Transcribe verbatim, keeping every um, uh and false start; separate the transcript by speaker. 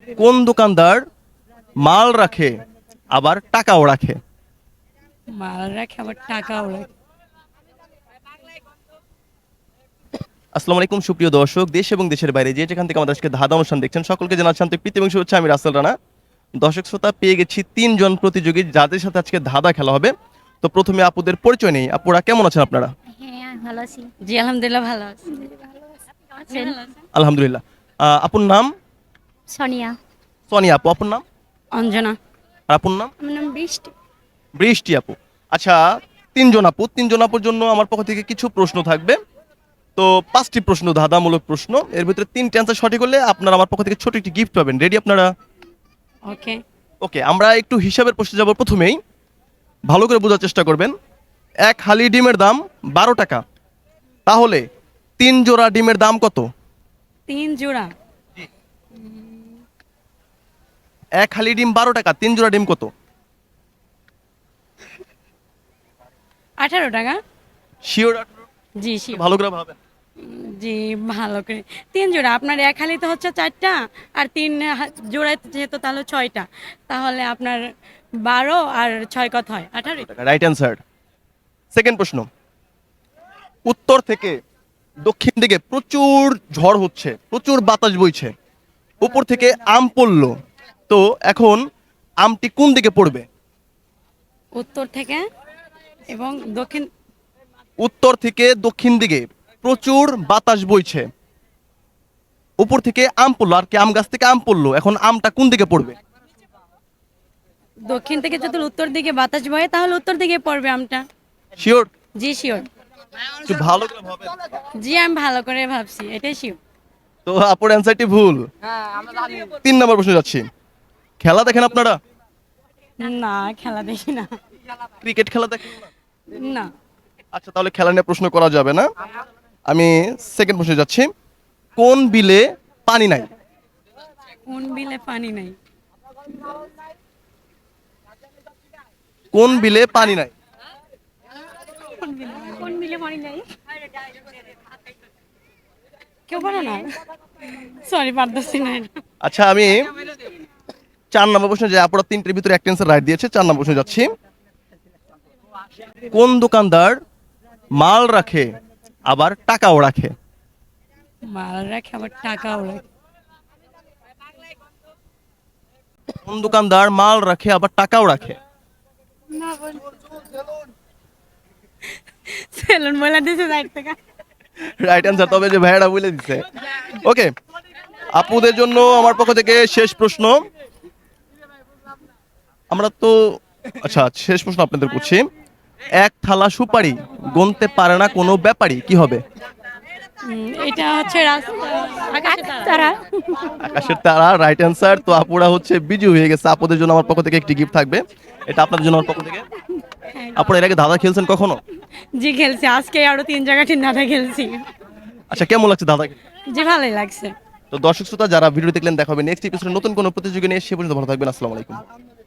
Speaker 1: কোন দোকানদার মাল রাখে আবার টাকাও রাখে?
Speaker 2: মাল রাখে আবার টাকাও রাখে।
Speaker 1: আসসালামু আলাইকুম সুপ্রিয় দর্শক, দেশ এবং দেশের বাইরে যে যেখান থেকে আমাদের আজকে ধাঁধা অনুষ্ঠান দেখছেন সকলকে জানাচ্ছি আন্তরিক প্রীতি এবং শুভেচ্ছা। আমি রাসেল রানা। দর্শক শ্রোতা, পেয়ে গেছি তিনজন প্রতিযোগী যাদের সাথে আজকে ধাঁধা খেলা হবে। তো প্রথমে আপুদের পরিচয় নেই। আপুরা কেমন আছেন আপনারা?
Speaker 3: হ্যাঁ ভালো আছি।
Speaker 2: জি আলহামদুলিল্লাহ ভালো আছি।
Speaker 3: আছেন?
Speaker 1: আলহামদুলিল্লাহ। আহ, আপুর নাম?
Speaker 3: সোনিয়া।
Speaker 1: সোনিয়া আপু। আপুর নাম?
Speaker 2: অঞ্জনা।
Speaker 1: আর আপুর নাম?
Speaker 3: আমার নাম বৃষ্টি।
Speaker 1: বৃষ্টি আপু। আচ্ছা, তিনজন আপু, তিনজন আপুর জন্য আমার পক্ষ থেকে কিছু প্রশ্ন থাকবে। তো পাঁচটি প্রশ্ন, ধাঁধামূলক প্রশ্ন। এর ভিতরে তিনটে অ্যান্সার সঠিক হলে আপনারা আমার পক্ষ থেকে ছোট একটি গিফট পাবেন। রেডি আপনারা?
Speaker 2: ওকে।
Speaker 1: ওকে, আমরা একটু হিসাবের প্রশ্নে যাব। প্রথমেই ভালো করে বোঝার চেষ্টা করবেন। এক হালি ডিমের দাম বারো টাকা, তাহলে তিন জোড়া ডিমের দাম কত?
Speaker 2: তিন জোড়া।
Speaker 1: এক হালি ডিম বারো টাকা, তিন জোড়া ডিম কত?
Speaker 2: আঠারো টাকা।
Speaker 1: শিওর?
Speaker 2: জি শিওর।
Speaker 1: ভালো করে ভাবেন।
Speaker 2: জি ভালো করে। তিন জোড়া, আপনার এক হালিতে হচ্ছে চারটা, আর তিন হা- জোড়ায় যেহেতু তাহলে ছয়টা, তাহলে আপনার বারো আর ছয় কত হয়? আঠারো।
Speaker 1: Right answer. সেকেন্ড প্রশ্ন। উত্তর থেকে দক্ষিণ দিকে প্রচুর ঝড় হচ্ছে, প্রচুর বাতাস বইছে, উপর থেকে আম পড়লো, তো এখন আমটি কোন দিকে পড়বে?
Speaker 2: উত্তর থেকে এবং দক্ষিণ।
Speaker 1: উত্তর থেকে দক্ষিণ দিকে প্রচুর বাতাস বইছে, উপর থেকে আম পড়লো, আর কি আম গাছ থেকে আম পড়লো, এখন আমটা কোন দিকে পড়বে?
Speaker 2: দক্ষিণ থেকে যদি উত্তর দিকে বাতাস বয় তাহলে উত্তর দিকে পড়বে আমটা।
Speaker 1: শিওর?
Speaker 2: জি শিওর।
Speaker 1: একটু ভালো করে ভাবেন।
Speaker 2: জি আমি ভালো করে ভাবছি, এটাই শিওর।
Speaker 1: তো আপুর অ্যান্সারটি ভুল। তিন নম্বর প্রশ্ন যাচ্ছি। খেলা দেখেন আপনারা?
Speaker 2: না খেলা দেখি না।
Speaker 1: ক্রিকেট খেলা দেখেন না?
Speaker 2: না।
Speaker 1: আচ্ছা, তাহলে খেলা নিয়ে প্রশ্ন করা যাবে না। আমি সেকেন্ড প্রশ্নে যাচ্ছি। কোন বিলে পানি নাই?
Speaker 2: কোন বিলে পানি নাই?
Speaker 1: কোন বিলে পানি নাই?
Speaker 3: কোন মিলে মনে নাই?
Speaker 2: কেউ পারে না? সরি পারতেছি না এটা।
Speaker 1: আচ্ছা, আমি চার নম্বর প্রশ্নে যে আপুরা তিনটের ভিতরে একটা অ্যান্সার রাইট দিয়েছে, চার নম্বর প্রশ্নে যাচ্ছি। কোন দোকানদার মাল রাখে আবার টাকাও রাখে?
Speaker 2: মাল রাখে আবার টাকাও রাখে।
Speaker 1: কোন দোকানদার মাল রাখে আবার টাকাও রাখে?
Speaker 2: সেলুন বলে দিছে সাইড থেকে।
Speaker 1: রাইট অ্যান্সার, তবে যে ভাইয়াটা বলে দিচ্ছে। ওকে, আপুদের জন্য আমার পক্ষ থেকে শেষ প্রশ্ন। আমরা তো আচ্ছা, শেষ প্রশ্ন আপনাদের করছি। এক থালা সুপারি গুনতে পারে না কোনো ব্যাপারী, কি হবে?
Speaker 2: উম, এটা হচ্ছে রাস্তা আকাশে তারা।
Speaker 3: তারা।
Speaker 1: আকাশের তারা। Right answer. তো আপুরা হচ্ছে বিজু হয়ে গেছে। আপুদের জন্য আমার পক্ষ থেকে একটি গিফট থাকবে, এটা আপনাদের জন্য আমার পক্ষ থেকে। আপনারা এর আগে ধাঁধা খেলছেন কখনো?
Speaker 2: জি খেলছি, আজকে আরো তিন জায়গা ঠিক নাটা খেলছি।
Speaker 1: আচ্ছা, কেমন লাগছে ধাঁধা খেলতে?
Speaker 2: জি ভালোই লাগছে।
Speaker 1: তো দর্শক শ্রোতা, যারা ভিডিও দেখলেন, দেখা হবে নেক্সট এপিসোডে নতুন কোনো প্রতিযোগী নিয়ে। সে পর্যন্ত ভালো থাকবেন। আসসালামু আলাইকুম।